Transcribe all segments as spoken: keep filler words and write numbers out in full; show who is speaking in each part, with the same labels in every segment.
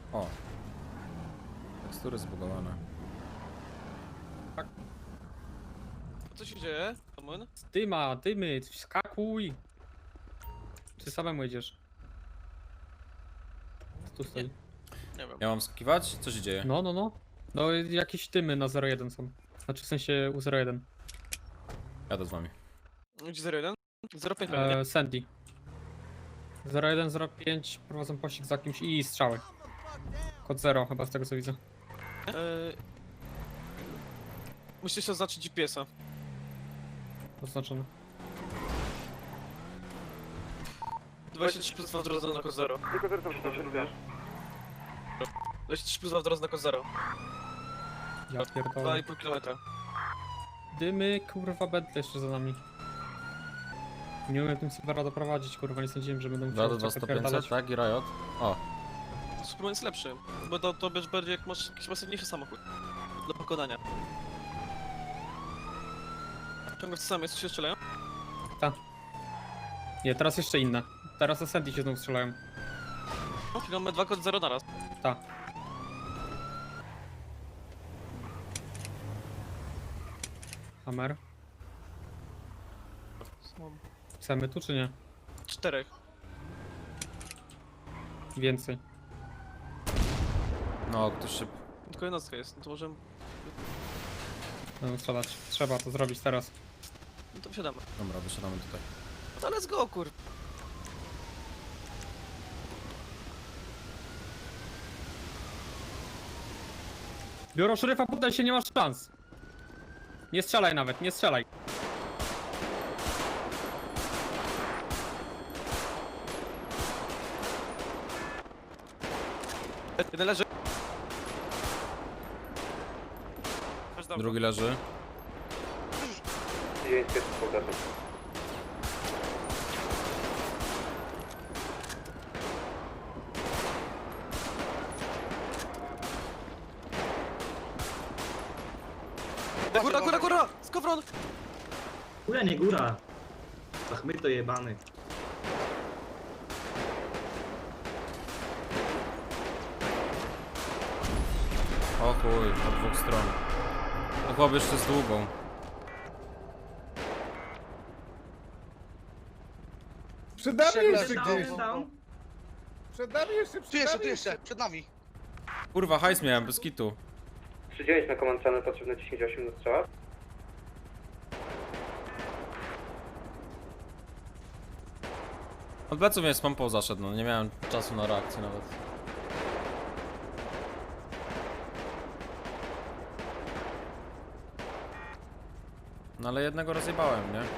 Speaker 1: O. Tekstury zbugowane.
Speaker 2: Tak.
Speaker 3: Co się dzieje, Amun?
Speaker 2: Dyma, dymy, skakuj! Czy samemu jedziesz? Co tu stoi?
Speaker 3: Nie wiem.
Speaker 1: Ja mam skiwać? Co się dzieje?
Speaker 2: No, no, no. No jakieś dymy na zero jeden są. Znaczy w sensie u zero jeden.
Speaker 1: Jadę z wami.
Speaker 3: Gdzie zero jeden? zero pięć pewnie, nie?
Speaker 2: E, Sandy. zero jeden, zero pięć prowadzą pościg za kimś i strzały. Kod zero chyba z tego co widzę.
Speaker 3: Eee... Musisz oznaczyć G P S-a.
Speaker 2: Oznaczone.
Speaker 3: dwadzieścia trzy plus dwa w drodze na kod zero.
Speaker 4: Tylko zero tam się wiesz.
Speaker 3: dwadzieścia trzy plus dwa w drodze na kod zero.
Speaker 2: Ja
Speaker 3: dwa
Speaker 2: pierdolę.
Speaker 3: i pół kilometra.
Speaker 2: Dymy, kurwa, Bentley jeszcze za nami. Nie umiem tym Silvera doprowadzić, kurwa, nie sądziłem, że będą
Speaker 1: dwa do
Speaker 2: musiał
Speaker 1: dwa sto
Speaker 2: czekać,
Speaker 1: pięćset,
Speaker 2: pierdalać.
Speaker 1: tak? I Riot. O.
Speaker 3: Superman jest lepszy, bo to, to będziesz bardziej jak masz jakiś masywniejszy samochód. Do pokonania. Ciągle w to samo jest, co się strzelają?
Speaker 2: Nie, teraz jeszcze inne. Teraz na Sandy się znowu strzelają.
Speaker 3: No, czyli mamy dwa kod zero naraz.
Speaker 2: Ta. Hammer. Chcemy tu czy nie?
Speaker 3: Czterech.
Speaker 2: Więcej.
Speaker 1: No, ktoś się...
Speaker 3: Tylko jednostka jest, no to możemy...
Speaker 2: Będą strzelać. Trzeba to zrobić teraz.
Speaker 3: No to wsiadamy.
Speaker 1: Dobra, wysiadamy tutaj.
Speaker 3: No to let's go, kur...
Speaker 2: Biuro szeryfa, poddaj się, nie masz szans. Nie strzelaj nawet, nie strzelaj.
Speaker 3: Jeden leży. Masz dam.
Speaker 1: Drugi leży.
Speaker 4: dziewięć pierwszy powtarzam.
Speaker 3: Góra, góra, góra! Skowron!
Speaker 5: Góra, nie góra. Ach, my to jebany.
Speaker 1: O chuj, od dwóch stron. No chłop jeszcze z długą.
Speaker 6: Przed nami jeszcze
Speaker 5: Down,
Speaker 6: gdzieś!
Speaker 5: down.
Speaker 6: Przed nami jeszcze, przed
Speaker 7: Tu jeszcze,
Speaker 6: nami
Speaker 7: tu jeszcze, przed nami.
Speaker 1: Kurwa, hajs miałem, bez kitu.
Speaker 4: trzy dziewięć na command channel, potrzebne dziesięć osiem do strzała.
Speaker 1: Od pleców mnie spampą zaszedł, no nie miałem czasu na reakcję nawet. No ale jednego rozjebałem, nie?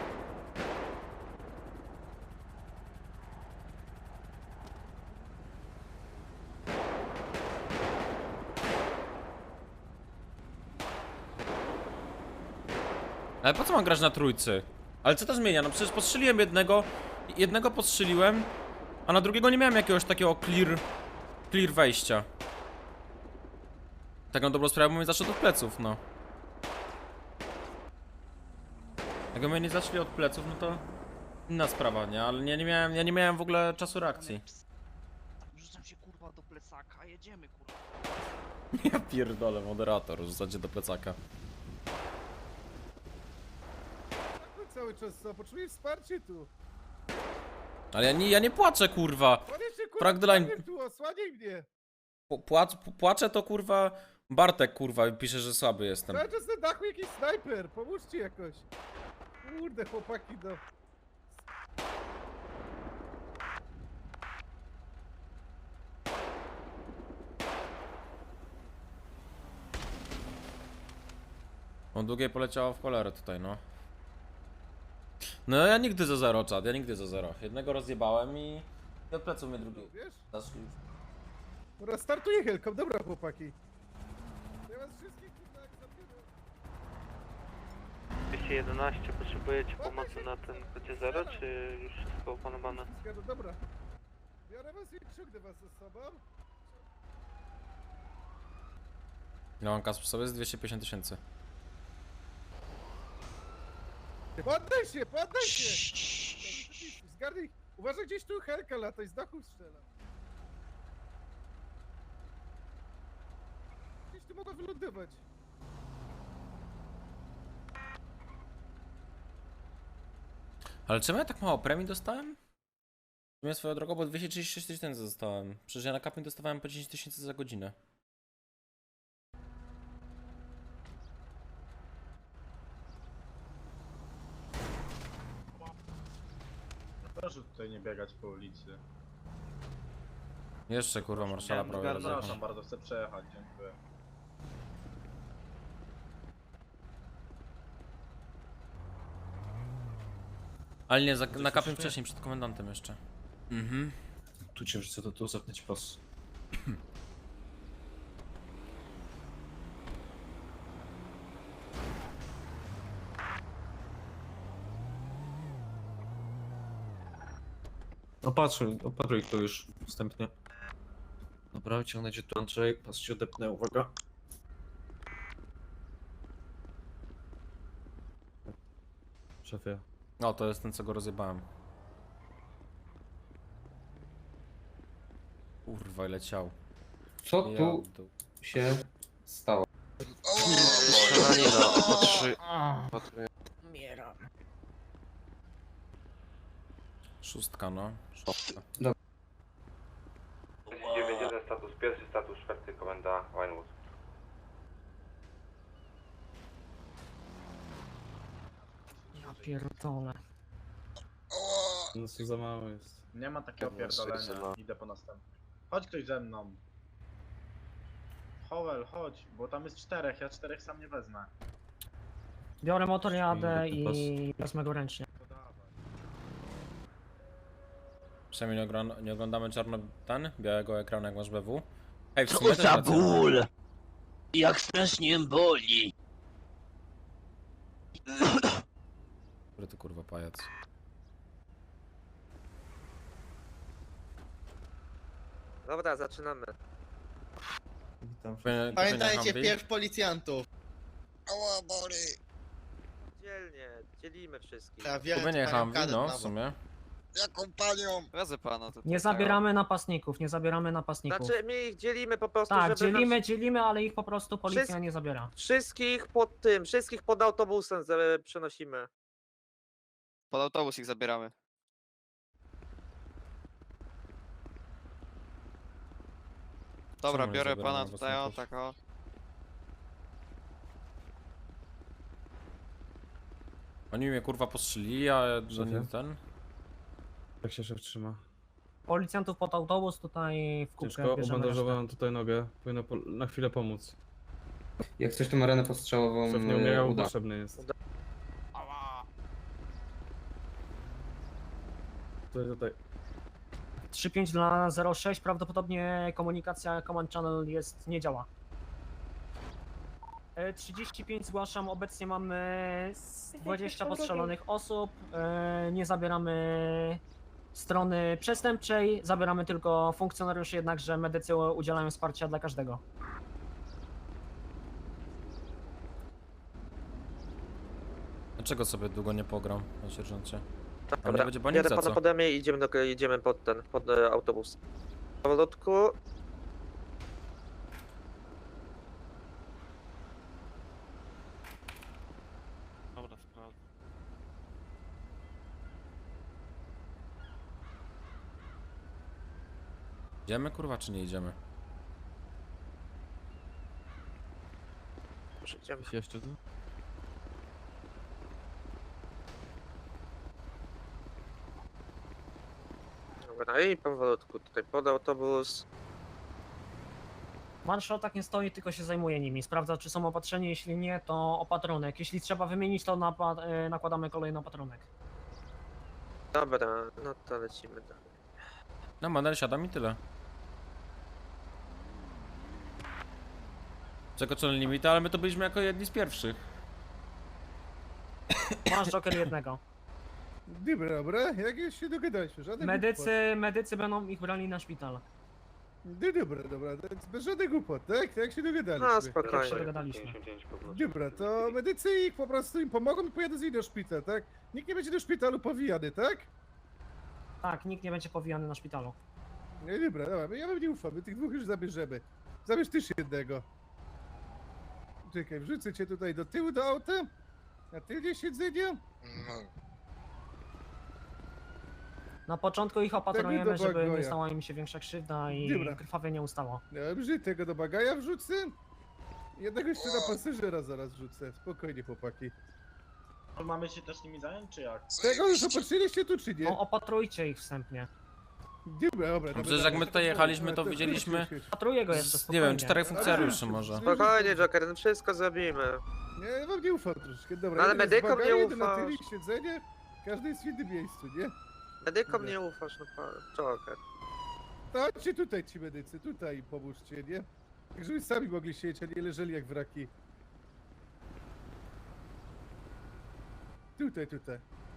Speaker 1: Ale po co mam grać na trójcy? Ale co to zmienia? No przecież postrzeliłem jednego, jednego postrzeliłem, a na drugiego nie miałem jakiegoś takiego clear, clear wejścia. Tak na dobrą sprawę, bo mnie zaszedł od pleców, no. Jakby mnie nie zaszli od pleców, no to inna sprawa, nie? Ale ja nie miałem, ja nie miałem w ogóle czasu reakcji.
Speaker 7: Rzucam się kurwa do plecaka, jedziemy kurwa.
Speaker 1: Ja pierdolę, moderator, rzucacie do plecaka.
Speaker 6: Tak cały czas, co? Potrzebuję wsparcie tu.
Speaker 1: Ale ja nie, ja nie płaczę, kurwa.
Speaker 6: On jeszcze kurwa
Speaker 1: Pragdline-
Speaker 6: prawie tu, osłaniaj mnie.
Speaker 1: P- Płacz, płaczę to, kurwa, Bartek, kurwa, pisze, że słaby jestem.
Speaker 6: Cały czas na dachu jakiś snajper, pomóżcie jakoś. Kurde, chłopaki, no.
Speaker 1: On długie poleciało w cholerę tutaj, no. No ja nigdy za zero, czad, ja nigdy za zero. Jednego rozjebałem i od pleców mnie drugi
Speaker 6: Wiesz?
Speaker 1: zaszli już.
Speaker 6: Dobra, startuję helką, dobra chłopaki. Ja was wszystkich kurwa jak zabiorę.
Speaker 8: dwieście jedenaście, potrzebujecie pomocy na tym kodzie zero, czy już wszystko opanowane?
Speaker 6: Zgadza, dobra. Biorę was i ciągnę was ze sobą.
Speaker 1: Ile mam kas przy sobie? Z dwieście pięćdziesiąt tysięcy.
Speaker 6: Poddaj się, poddaj się! Zgarnij, uważaj gdzieś tu helka lata i z dachu strzela. Gdzieś tu mogła wylądować.
Speaker 1: Ale czemu ja tak mało premii dostałem? Ja swoją drogą, bo dwieście trzydzieści sześć tysięcy dostałem. Przecież ja na kapie dostawałem po dziesięć tysięcy za godzinę.
Speaker 9: Proszę tutaj nie biegać po ulicy.
Speaker 1: Jeszcze kurwa marszala prawie
Speaker 9: Przepraszam,
Speaker 1: rozjechał.
Speaker 9: bardzo chcę przejechać, dziękuję.
Speaker 1: Ale nie, za, na kapie wcześniej, przed komendantem jeszcze. Mhm.
Speaker 10: Tu cię wrzucę, to tu zapnę ci pas. Opatruj, opatruj to już wstępnie. Dobra, ciągnę cię tu Andrzej, pas ci odepnę, uwaga. Szefie.
Speaker 1: No, to jest ten, co go rozjebałem. Kurwa, leciał.
Speaker 4: Co
Speaker 1: Ja
Speaker 4: tu
Speaker 1: w dół.
Speaker 4: się stało?
Speaker 8: Strzelanina, opatrzy... opatruję.
Speaker 1: Szóstka, no. Szóstka.
Speaker 4: dziewięć jeden status pierwszy, status czwarty, komenda Winewood.
Speaker 2: Ja pierdolę.
Speaker 10: No co za mało jest.
Speaker 9: Nie ma takiego
Speaker 8: Dobra,
Speaker 9: pierdolenia,
Speaker 8: syna.
Speaker 9: idę po następny. Chodź ktoś ze mną. Howell, chodź, bo tam jest czterech, ja czterech sam nie wezmę.
Speaker 2: Biorę motor, jadę
Speaker 10: Inny pas.
Speaker 2: i wezmę go ręcznie.
Speaker 9: To dawaj.
Speaker 1: Przynajmniej nie, ogron- nie oglądamy czarno ten, białego ekranu jak masz B W. Ej, w
Speaker 7: Co
Speaker 1: sumie też
Speaker 7: za
Speaker 1: racja.
Speaker 7: ból! Jak strasznie boli!
Speaker 1: Który to kurwa pajac.
Speaker 4: Dobra, zaczynamy.
Speaker 10: Witam.
Speaker 1: Powinien-
Speaker 6: Pamiętajcie,
Speaker 1: powinien Humvee.
Speaker 6: pierw policjantów.
Speaker 4: Ała, boli. Dzielnie, dzielimy wszystkich.
Speaker 6: Ja
Speaker 1: Tu
Speaker 6: wiem,
Speaker 1: będzie
Speaker 6: panią
Speaker 1: Humvee,
Speaker 6: kadet
Speaker 1: no w
Speaker 6: nawet.
Speaker 1: sumie.
Speaker 4: Jaką panią?
Speaker 8: Razem pana to
Speaker 2: Nie zabieramy napastników, nie zabieramy napastników.
Speaker 4: Znaczy, my ich dzielimy po prostu,
Speaker 2: Tak,
Speaker 4: żeby...
Speaker 2: dzielimy, dzielimy, ale ich po prostu policja
Speaker 4: Wszystko-
Speaker 2: nie zabiera.
Speaker 4: Wszystkich pod tym, wszystkich pod autobusem z- przenosimy.
Speaker 8: Pod autobus ich zabieramy. Dobra,
Speaker 1: Czemu nie
Speaker 8: biorę
Speaker 1: zabieramy
Speaker 8: pana tutaj, o
Speaker 1: napastników?
Speaker 8: tak o.
Speaker 1: Oni mnie kurwa postrzelili, a ja że nie
Speaker 10: Szefie?
Speaker 1: ten.
Speaker 10: Jak się szef trzyma?
Speaker 2: Policjantów pod autobus tutaj w kubkę
Speaker 10: Ciężko,
Speaker 2: bierzemy resztę.
Speaker 10: obandażowałem tutaj nogę. Powinno po, na chwilę pomóc.
Speaker 4: Jak coś tą arenę postrzałową
Speaker 10: Szef nie umierał, potrzebny jest.
Speaker 4: Uda.
Speaker 10: Tutaj, tutaj.
Speaker 2: trzy pięć dla zero sześć, prawdopodobnie komunikacja Command Channel jest, nie działa. E, trzydzieści pięć zgłaszam, obecnie mamy dwadzieścia postrzelonych osób, e, nie zabieramy strony przestępczej, zabieramy tylko funkcjonariuszy, jednakże medycy udzielają wsparcia dla każdego.
Speaker 1: Dlaczego sobie długo nie pogram na sierżancie? A mnie
Speaker 4: Dobra,
Speaker 1: będzie banik
Speaker 4: jadę
Speaker 1: za
Speaker 4: pana
Speaker 1: co?
Speaker 4: pode mnie i idziemy, do, idziemy pod ten, pod e, autobus. Powolutku.
Speaker 3: Dobra, sprawdzę.
Speaker 1: Idziemy kurwa czy nie idziemy?
Speaker 4: Może idziemy.
Speaker 10: Jeszcze tu?
Speaker 4: Dobra, i powolutku tutaj pod autobus.
Speaker 2: Marszał tak nie stoi, tylko się zajmuje nimi. Sprawdza, czy są opatrzeni, jeśli nie, to opatrunek. Jeśli trzeba wymienić, to napa- e, nakładamy kolejny opatrunek.
Speaker 4: Dobra, no to lecimy dalej.
Speaker 1: No manel siadam i tyle. Przekroczony limit, ale my to byliśmy jako jedni z pierwszych.
Speaker 2: Masz Joker jednego.
Speaker 6: Dobra, dobra, jak już się dogadaliśmy, żadnych
Speaker 2: Medycy, medycy będą ich brali na szpital.
Speaker 6: głupot. No dobra, dobra, więc bez żadnych głupot, tak? Tak jak się dogadaliśmy.
Speaker 4: No
Speaker 2: Jak się
Speaker 4: spokojnie.
Speaker 2: dogadaliśmy.
Speaker 6: Dobra, to medycy ich po prostu im pomogą i pojadą z nimi do szpitala, tak? Nikt nie będzie do szpitalu powijany, tak?
Speaker 2: Tak, nikt nie będzie powijany na szpitalu.
Speaker 6: No i dobra, dobra, ja wam nie ufam, my tych dwóch już zabierzemy. Zabierz też jednego. Czekaj, wrzucę cię tutaj do tyłu do auta. Na tylnie siedzenie.
Speaker 2: Na początku ich opatrujemy,
Speaker 6: do
Speaker 2: żeby nie
Speaker 6: Bagoja.
Speaker 2: stała im się większa krzywda i
Speaker 6: Dobra.
Speaker 2: krwawie nie ustało.
Speaker 6: Dobrze, tego do bagaja wrzucę. Jednego jeszcze na pasażera zaraz wrzucę. Spokojnie, chłopaki.
Speaker 9: Mamy się też nimi zająć, czy jak?
Speaker 6: Tego już opatrzyliście tu, czy nie?
Speaker 2: No, opatrujcie ich wstępnie.
Speaker 6: Dobra, dobra.
Speaker 1: Przecież
Speaker 6: dobra,
Speaker 1: jak my
Speaker 6: dobra,
Speaker 1: tutaj
Speaker 6: dobra,
Speaker 1: jechaliśmy,
Speaker 6: dobra,
Speaker 1: to
Speaker 6: dobra,
Speaker 1: widzieliśmy-
Speaker 6: już, już, już.
Speaker 2: Opatruję go jeszcze
Speaker 1: Z, nie
Speaker 2: spokojnie.
Speaker 1: wiem, czterech funkcjonariuszy może.
Speaker 4: Spokojnie, Joker, no wszystko zrobimy.
Speaker 6: Nie, wam nie ufam troszkę, dobra.
Speaker 4: No ale
Speaker 6: jeden jest
Speaker 4: medykom
Speaker 6: bagaja,
Speaker 4: nie
Speaker 6: jeden na
Speaker 4: ufasz.
Speaker 6: tylnie siedzenie. Każdy jest w innym miejscu, nie?
Speaker 4: Medykom
Speaker 6: Dobra.
Speaker 4: nie ufasz, no pan. Joker.
Speaker 6: To chodźcie tutaj ci medycy, tutaj pomóżcie, nie? Tak żeby sami mogli siedzieć, a nie leżeli jak wraki. Tutaj, tutaj.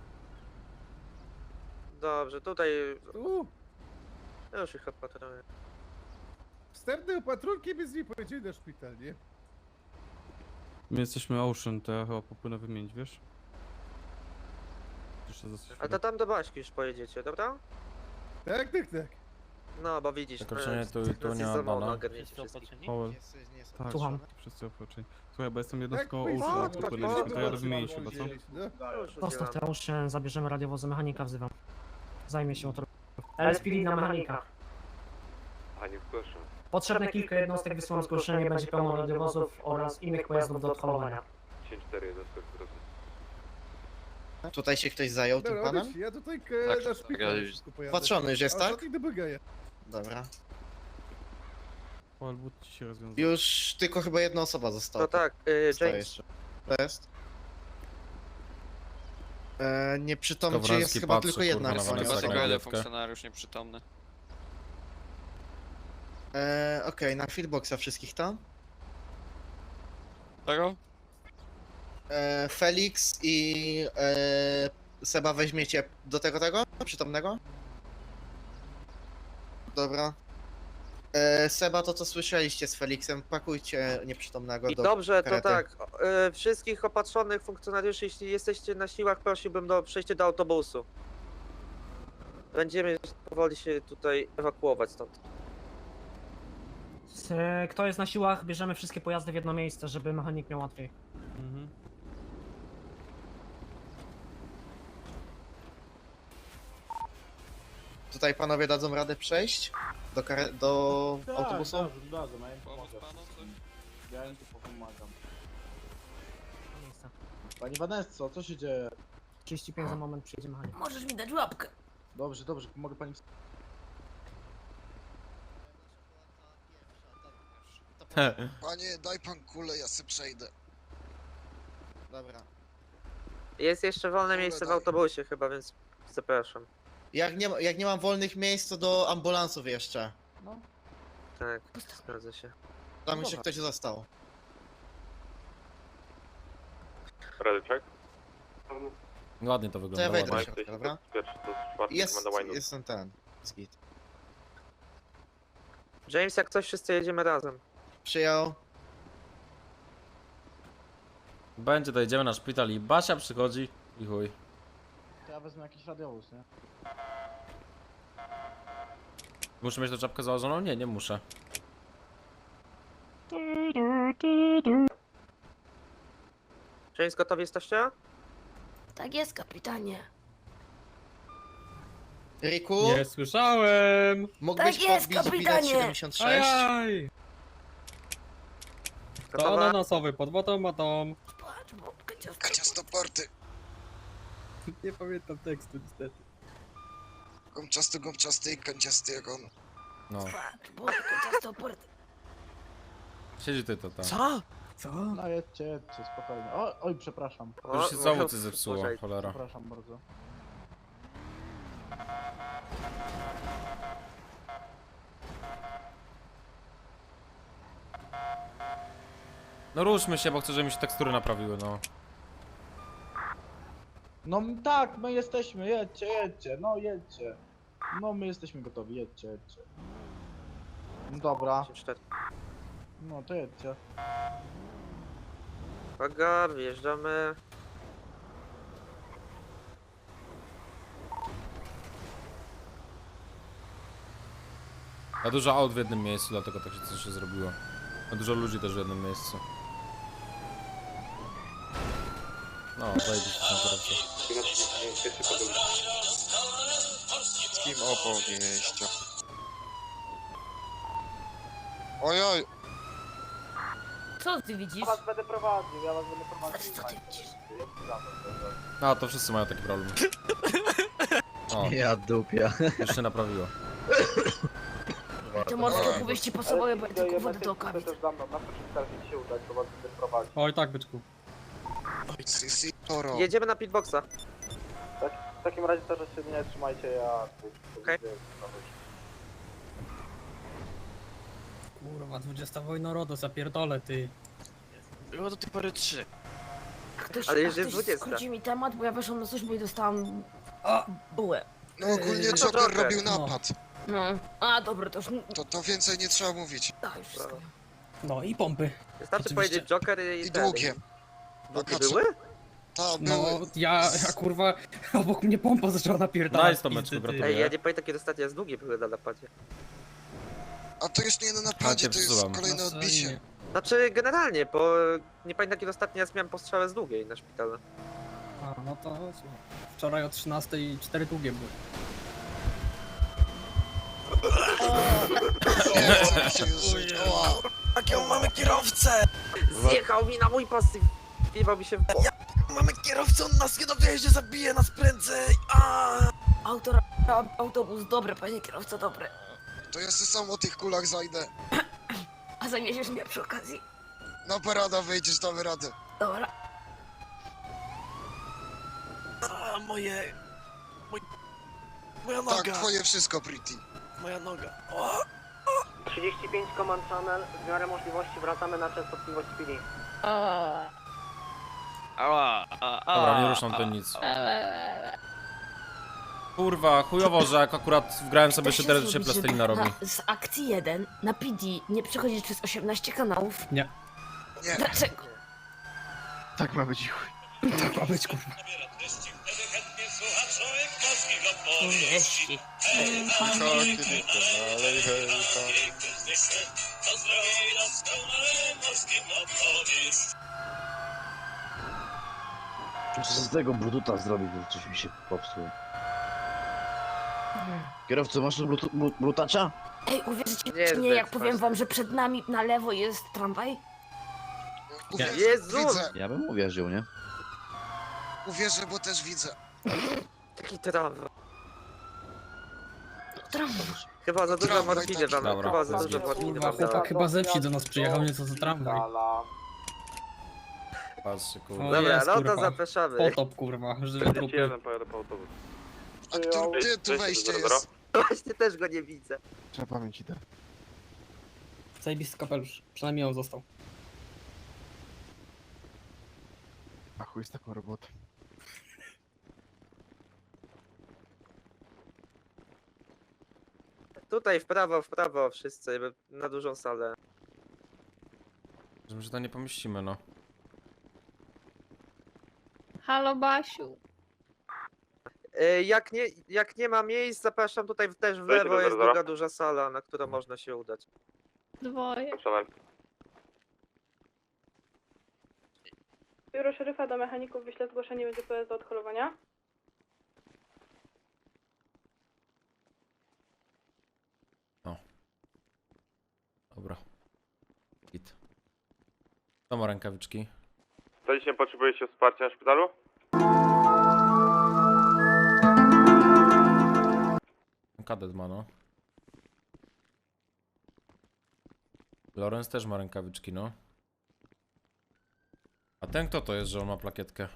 Speaker 4: Dobrze, tutaj
Speaker 6: Tu.
Speaker 4: już ich opatruję.
Speaker 6: Wstępne opatrunki by z niej pojedziemy na szpital, nie?
Speaker 11: My jesteśmy Ocean, to ja chyba popłynę wymienić, wiesz? Jeszcze za
Speaker 4: A to tam do Baśki już pojedziecie, dobra?
Speaker 6: Tak, tak, tak.
Speaker 4: No, bo widzisz,
Speaker 1: Przekroczenie
Speaker 4: e,
Speaker 1: tu i tu
Speaker 4: nas
Speaker 1: nie
Speaker 4: jest
Speaker 1: ma
Speaker 4: za mało
Speaker 1: bana.
Speaker 4: na ogarnięcie wszystkich.
Speaker 11: Powell. Tak,
Speaker 2: Słucham.
Speaker 11: wszyscy opatrzeni. Słuchaj, bo jestem jednostką
Speaker 6: Tak,
Speaker 11: Ocean,
Speaker 4: tak,
Speaker 11: jak tu
Speaker 4: tak,
Speaker 11: podjęliśmy,
Speaker 4: tak,
Speaker 11: to ja
Speaker 4: tak,
Speaker 11: wymienić
Speaker 4: tak,
Speaker 11: chyba, co?
Speaker 6: No.
Speaker 4: Już
Speaker 2: Zostaw
Speaker 4: udzielam.
Speaker 2: te uszy, zabierzemy radiowozy, mechanika wzywam. Zajmie się motorem. L S P D na mechanika.
Speaker 8: Pani proszę.
Speaker 2: Potrzebne kilka jednostek, wysyłam zgłoszenie, będzie pełno radiowozów oraz innych pojazdów do odholowania.
Speaker 8: dziesięć cztery jednostek proszę.
Speaker 12: Tutaj się ktoś zajął tym
Speaker 6: Dobra,
Speaker 12: panem?
Speaker 6: odejdź, ja tutaj e,
Speaker 3: Tak,
Speaker 6: na
Speaker 3: tak,
Speaker 6: szpital
Speaker 3: ja-
Speaker 6: wszystko pojadę.
Speaker 12: Patrzony już jest,
Speaker 6: A
Speaker 12: tak?
Speaker 6: ostatni do bagaja.
Speaker 12: Dobra.
Speaker 11: Powell, but ci się rozwiązał.
Speaker 12: Już tylko chyba jedna osoba została.
Speaker 4: To tak, y,
Speaker 12: Zostaje
Speaker 4: James.
Speaker 12: jeszcze. To jest. E, nieprzytomny, czy
Speaker 1: Skowroński
Speaker 12: jest chyba
Speaker 1: patrzy,
Speaker 12: tylko jedna
Speaker 1: kurwa, na
Speaker 12: osoba.
Speaker 1: Vanessa
Speaker 12: osoba.
Speaker 1: gra.
Speaker 3: jeden
Speaker 1: Gwiazdkę.
Speaker 3: funkcjonariusz nieprzytomny.
Speaker 12: E, Okej, na feedboxa wszystkich tam.
Speaker 3: Tego?
Speaker 12: E, Felix i e, Seba weźmiecie do tego tego? Przytomnego? Dobra. E, Seba, to co słyszeliście z Felixem, pakujcie nieprzytomnego
Speaker 4: I
Speaker 12: do
Speaker 4: dobrze, to
Speaker 12: karety.
Speaker 4: tak. o, y, wszystkich opatrzonych funkcjonariuszy, jeśli jesteście na siłach, prosiłbym do przejścia do autobusu. Będziemy powoli się tutaj ewakuować stąd.
Speaker 2: E, Kto jest na siłach, bierzemy wszystkie pojazdy w jedno miejsce, żeby mechanik miał łatwiej.
Speaker 11: Mhm.
Speaker 12: Tutaj panowie dadzą radę przejść do, kare- do autobusu?
Speaker 3: Pomóc panu coś?
Speaker 9: Ja im tu pomagam.
Speaker 2: Miejsce.
Speaker 9: Pani Vanesso, co się dzieje?
Speaker 2: trzydzieści pięć za moment przyjedzie mechanik.
Speaker 13: Możesz mi dać łapkę.
Speaker 9: Dobrze, dobrze, pomogę pani.
Speaker 12: Panie, daj pan kulę, ja se przejdę. Dobra.
Speaker 4: Jest jeszcze wolne miejsce w autobusie chyba, więc zapraszam.
Speaker 12: Jak nie, ma- jak nie mam wolnych miejsc, to do ambulansów jeszcze.
Speaker 4: Tak, zgadza się.
Speaker 12: Tam jeszcze ktoś został.
Speaker 8: Radyczek?
Speaker 1: Ładnie to
Speaker 12: To ja
Speaker 1: wygląda.
Speaker 12: wejdę do
Speaker 1: ładnie.
Speaker 12: środka, dobra?
Speaker 8: Pierwszy to czwarty
Speaker 12: Jest,
Speaker 8: komenda Winewood.
Speaker 12: jestem ten. Skit.
Speaker 4: James, jak coś, wszyscy jedziemy razem.
Speaker 12: Przyjął.
Speaker 1: Będzie, dojedziemy na szpital i Basia przychodzi i chuj.
Speaker 9: To ja wezmę jakiś radiowóz, nie?
Speaker 1: Muszę mieć tę czapkę założoną? Nie, nie muszę.
Speaker 4: James, gotowi jesteście?
Speaker 13: Tak jest, kapitanie.
Speaker 12: Riku,
Speaker 11: Nie słyszałem!
Speaker 12: mógłbyś
Speaker 13: Tak jest,
Speaker 12: podbić bilet
Speaker 13: kapitanie!
Speaker 12: siedemdziesiąt sześć?
Speaker 11: Ajaj! To
Speaker 4: Gotowa?
Speaker 11: ananasowy pod automatą.
Speaker 13: Patrz, babka ciasto.
Speaker 12: Ciastoporty.
Speaker 11: Nie pamiętam tekstu niestety.
Speaker 12: Gąbczasty, gąbczasty, kanciasty jak on.
Speaker 1: No.
Speaker 13: Patrz, babka ciasto porty.
Speaker 1: Siedzi ty to tam.
Speaker 3: Co?
Speaker 11: Co?
Speaker 9: No jedźcie, jedźcie, spokojnie. O, oj, przepraszam.
Speaker 4: O,
Speaker 1: Już się
Speaker 4: no,
Speaker 1: znowu coś zepsuło,
Speaker 4: uważaj.
Speaker 1: cholera.
Speaker 9: Przepraszam bardzo.
Speaker 1: No ruszmy się, bo chcę, żeby mi się tekstury naprawiły, no.
Speaker 9: No tak, my jesteśmy, jedźcie, jedźcie, no jedźcie. No my jesteśmy gotowi, jedźcie, jedźcie. No dobra,
Speaker 4: dziesięć cztery.
Speaker 9: no to jedźcie.
Speaker 4: Uwaga, wjeżdżamy.
Speaker 1: A dużo aut w jednym miejscu, dlatego tak się coś się zrobiło. A dużo ludzi też w jednym miejscu. No, zajebiście tam kierowca.
Speaker 12: Z kim opowieścią? Ojoj!
Speaker 13: Co ty widzisz?
Speaker 9: będę prowadził, ja was będę prowadził.
Speaker 13: Co ty widzisz?
Speaker 1: No, to wszyscy mają taki problem. O,
Speaker 8: Ja dupia.
Speaker 1: już się naprawiło.
Speaker 13: Te morskie opowieści pasowały, bo ja tylko wodę do okawic.
Speaker 9: za mną, na proszę starać się udać, bo was będę prowadził.
Speaker 11: Oj, tak, byczku.
Speaker 12: Si, si, toro.
Speaker 4: Jedziemy na pitboxa.
Speaker 9: W takim razie też się nie trzymajcie, ja...
Speaker 4: Okej.
Speaker 2: Kurwa, dwudziesta wojna RODO, zapierdolę ty.
Speaker 3: Było do tej pory trzy.
Speaker 13: Ktoś,
Speaker 4: Ale
Speaker 13: a
Speaker 4: już jest
Speaker 13: ktoś
Speaker 4: dwudziesta.
Speaker 13: skróci mi temat, bo ja weszłam na służbę i dostałam bułę.
Speaker 12: No ogólnie
Speaker 4: Yy,
Speaker 12: Joker
Speaker 4: Joker,
Speaker 12: robił
Speaker 2: no.
Speaker 12: napad.
Speaker 13: No, a dobra, to już...
Speaker 12: To, to więcej nie trzeba mówić.
Speaker 13: A, już wszystko.
Speaker 2: No i pompy.
Speaker 4: Wystarczy
Speaker 2: Oczywiście.
Speaker 4: powiedzieć Joker i...
Speaker 12: I
Speaker 4: ten.
Speaker 12: długie.
Speaker 4: Długie
Speaker 12: A co-
Speaker 4: były?
Speaker 12: Ta,
Speaker 2: No,
Speaker 12: były.
Speaker 2: ja, ja kurwa, obok mnie pompa zaczęła napierdalać.
Speaker 1: Nice, Tomeczku,
Speaker 2: pizdy, ty.
Speaker 1: gratuluję.
Speaker 4: Ej, ja nie pamiętam kiedy ostatnio z długie były na napadzie.
Speaker 12: A to jest nie na napadzie, to jest
Speaker 1: przesuwam.
Speaker 12: kolejne
Speaker 2: No,
Speaker 12: odbicie.
Speaker 2: nie.
Speaker 4: Znaczy generalnie, bo nie pamiętam kiedy ostatnio raz miałem postrzałę z długiej na szpitalu.
Speaker 2: A, no to słuchaj. Wczoraj o trzynastej cztery długie były.
Speaker 12: Nie, co mi się już żyć. Oła.
Speaker 3: Jakiego mamy kierowcę?
Speaker 4: Zjechał mi na mój pasyw! Wpiewał mi się w bok.
Speaker 3: Mamy kierowcę, on nas nie dowiedzie, zabije nas prędzej! A!
Speaker 13: Autor, a- autobus, dobry, panie kierowco, dobry.
Speaker 12: To ja se sam o tych kulach zajdę.
Speaker 13: A zaniedziesz mnie przy okazji?
Speaker 12: Na parada wyjdziesz, damy radę.
Speaker 13: Dobra.
Speaker 3: A moje... Moj... Moja noga!
Speaker 12: Tak, twoje wszystko, Pretty.
Speaker 3: Moja noga. O!
Speaker 2: trzydzieści pięć Command Channel, w miarę możliwości wracamy na częstotliwość P D.
Speaker 3: Ała, a, a,
Speaker 1: Dobra, nie ruszam to nic. Kurwa, chujowo, że jak akurat wgrałem sobie
Speaker 13: Da się
Speaker 1: szyderę, to się
Speaker 13: zrobić, żeby
Speaker 1: plastelina robi.
Speaker 13: na- Z akcji jeden na P D nie przechodzić przez osiemnaście kanałów.
Speaker 2: Nie.
Speaker 12: Nie.
Speaker 13: Dlaczego?
Speaker 8: Tak ma być chuj.
Speaker 2: Tak ma być, kurwa.
Speaker 13: Wieści.
Speaker 8: Muszę z tego brututa zrobić, bo coś mi się popsuło. Kierowco, masz tu brutu, bru- brutacza?
Speaker 13: Ej, uwierzycie
Speaker 4: Nie,
Speaker 13: czy nie, jak
Speaker 4: zdecydowanie.
Speaker 13: powiem wam, że przed nami na lewo jest tramwaj?
Speaker 12: Uwierzę,
Speaker 4: Jezu!
Speaker 12: widzę.
Speaker 8: Ja bym uwierzył, nie?
Speaker 12: Uwierzę, bo też widzę.
Speaker 4: Taki tramwaj.
Speaker 13: Tramwaj.
Speaker 4: Chyba za dużo
Speaker 12: Tramwaj
Speaker 4: morfiny
Speaker 12: taki.
Speaker 4: wam,
Speaker 1: Dobra,
Speaker 4: chyba za
Speaker 1: jest
Speaker 4: dużo
Speaker 1: git.
Speaker 4: morfiny
Speaker 2: Kurwa,
Speaker 4: wam dała.
Speaker 2: chłopak chyba ze wsi do nas przyjechał, nie co za tramwaj.
Speaker 1: Patrzcie,
Speaker 2: O,
Speaker 1: kurwa.
Speaker 4: Dobra,
Speaker 2: jest,
Speaker 4: no to
Speaker 2: kurwa.
Speaker 4: zapraszamy.
Speaker 2: Potop, kurwa, żywe trupy.
Speaker 8: pojadę po autobus.
Speaker 12: A który, gdzie tu wejście jest?
Speaker 4: Właśnie też go nie widzę.
Speaker 8: Trzeba pamięć idę.
Speaker 2: Zajebisty kapelusz, przynajmniej on został.
Speaker 8: A chuj z taką robotą.
Speaker 4: Tutaj w prawo, w prawo wszyscy, na dużą salę.
Speaker 1: Że to nie pomieścimy, no.
Speaker 13: Halo, Basiu.
Speaker 4: E, Jak nie, jak nie ma miejsc, zapraszam tutaj też w lewo, jest druga duża sala, na którą można się udać.
Speaker 13: Dwoje.
Speaker 14: Biuro szeryfa do mechaników wyśle zgłoszenie będzie P S do odholowania.
Speaker 1: Dobra. Git. Kto ma rękawiczki?
Speaker 8: To dzisiaj potrzebujecie wsparcia na szpitalu?
Speaker 1: Kadet ma, no. Lorenz też ma rękawiczki, no. A ten kto to jest, że on ma plakietkę?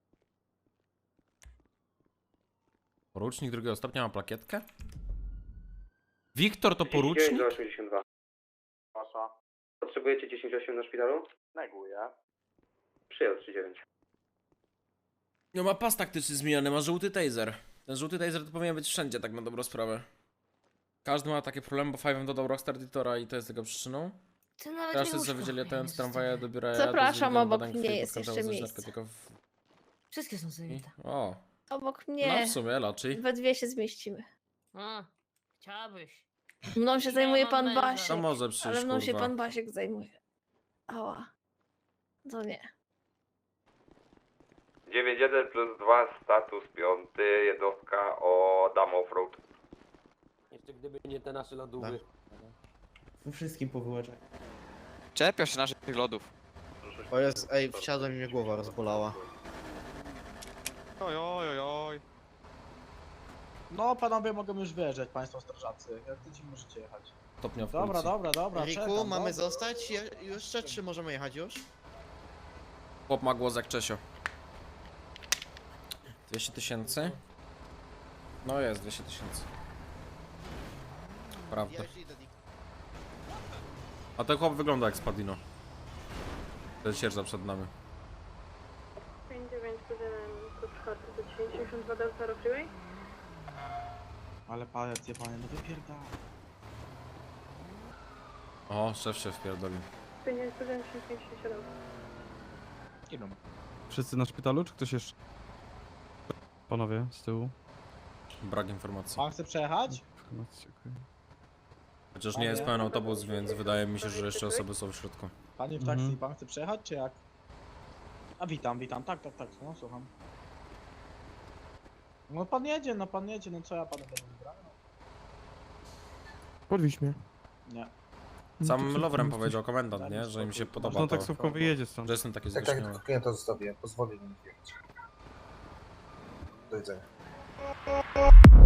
Speaker 1: Porucznik drugiego stopnia ma plakietkę? Wiktor to porucznik?
Speaker 8: osiemdziesiąt dwa.
Speaker 9: Wasza.
Speaker 8: Potrzebujecie dziesięć osiem na szpitalu?
Speaker 9: Neguję.
Speaker 8: Przyjął trzy dziewięć.
Speaker 1: No ma pas taktyczny zmieniony, ma żółty taser. Ten żółty taser to powinien być wszędzie, tak na dobrą sprawę. Każdy ma takie problemy, bo Five'em dodał Rockstar Editora i to jest tego przyczyną.
Speaker 13: Ty nawet
Speaker 1: Teraz
Speaker 13: nie
Speaker 1: jest
Speaker 13: łóżko.
Speaker 1: zawiedzieli ten z
Speaker 13: Jest
Speaker 1: tramwaja
Speaker 13: dobre.
Speaker 1: do biura.
Speaker 13: Zapraszam,
Speaker 1: do
Speaker 13: obok
Speaker 1: badań
Speaker 13: mnie
Speaker 1: krwi
Speaker 13: jest
Speaker 1: pod kątem
Speaker 13: jeszcze
Speaker 1: uzależnienia
Speaker 13: miejsce.
Speaker 1: narkotyków.
Speaker 13: Wszystkie są
Speaker 1: I-
Speaker 13: zajęte.
Speaker 1: O,
Speaker 13: Obok
Speaker 1: no
Speaker 13: mnie.
Speaker 1: w sumie raczej.
Speaker 13: We dwie się zmieścimy.
Speaker 14: A, chciałabyś.
Speaker 13: Mną się
Speaker 14: Ja
Speaker 13: zajmuje
Speaker 14: mam
Speaker 13: pan
Speaker 14: męża.
Speaker 13: Basiek.
Speaker 1: To może przyjść,
Speaker 13: Ale mną się
Speaker 1: kurwa.
Speaker 13: pan Basiek zajmuje. Ała. To nie.
Speaker 8: dziewięć jeden plus dwa, status piąty, jednostka o Dam Offroad.
Speaker 15: Jeszcze gdyby nie te nasze lodówy.
Speaker 10: Wszystkim powyłaczaj.
Speaker 15: Czepiasz się naszych lodów.
Speaker 10: O jest, ej, wsiadłem i mnie głowa rozbolała.
Speaker 15: Oj, oj, oj, oj.
Speaker 9: No panowie mogą już wyjeżdżać, państwo strażacy. Jak chcecie możecie jechać.
Speaker 1: Stopnia w
Speaker 9: Dobra,
Speaker 1: policji.
Speaker 9: dobra, dobra,
Speaker 10: Riku,
Speaker 9: czekam,
Speaker 10: mamy
Speaker 9: dobra.
Speaker 10: zostać Je jeszcze, czy możemy jechać już?
Speaker 1: Chłop ma głos jak Czesio. dwieście tysięcy? No jest, dwieście tysięcy. Prawda.
Speaker 10: Ja już idę, Dick.
Speaker 1: A ten chłop wygląda jak Spadino. Ten sierża przed nami.
Speaker 14: pięć dziewięć jeden kod czwarty do dziewięćdziesiąt dwa Delta Zero Freeway.
Speaker 9: Ale palec je panie, no wypierdala.
Speaker 1: O, szef się wpierdolił.
Speaker 14: pięć dziewięć jeden pięć siedem.
Speaker 9: Idą.
Speaker 11: Wszyscy na szpitalu, czy ktoś jeszcze? Panowie, z tyłu.
Speaker 1: Brak informacji.
Speaker 9: Pan chce przejechać?
Speaker 11: Informacji, okej.
Speaker 1: Chociaż nie jest pełen autobus, więc wydaje mi się, że jeszcze osoby są w środku.
Speaker 9: Panie w
Speaker 11: Mhm.
Speaker 9: taksi, pan chce przejechać, czy jak? A witam, witam, tak, tak, tak, no słucham. No pan jedzie, no pan jedzie, no co ja panu będę wybrał?
Speaker 11: Podwieź mnie.
Speaker 9: Nie.
Speaker 1: Sam Lovrem powiedział komendant, nie? Że im się podoba
Speaker 11: No
Speaker 1: to,
Speaker 11: taksówką wyjedzie stąd.
Speaker 1: że jestem taki
Speaker 6: Tak,
Speaker 1: zwyższony.
Speaker 6: tak, klienta zostawię, pozwolę mi jechać. Do widzenia.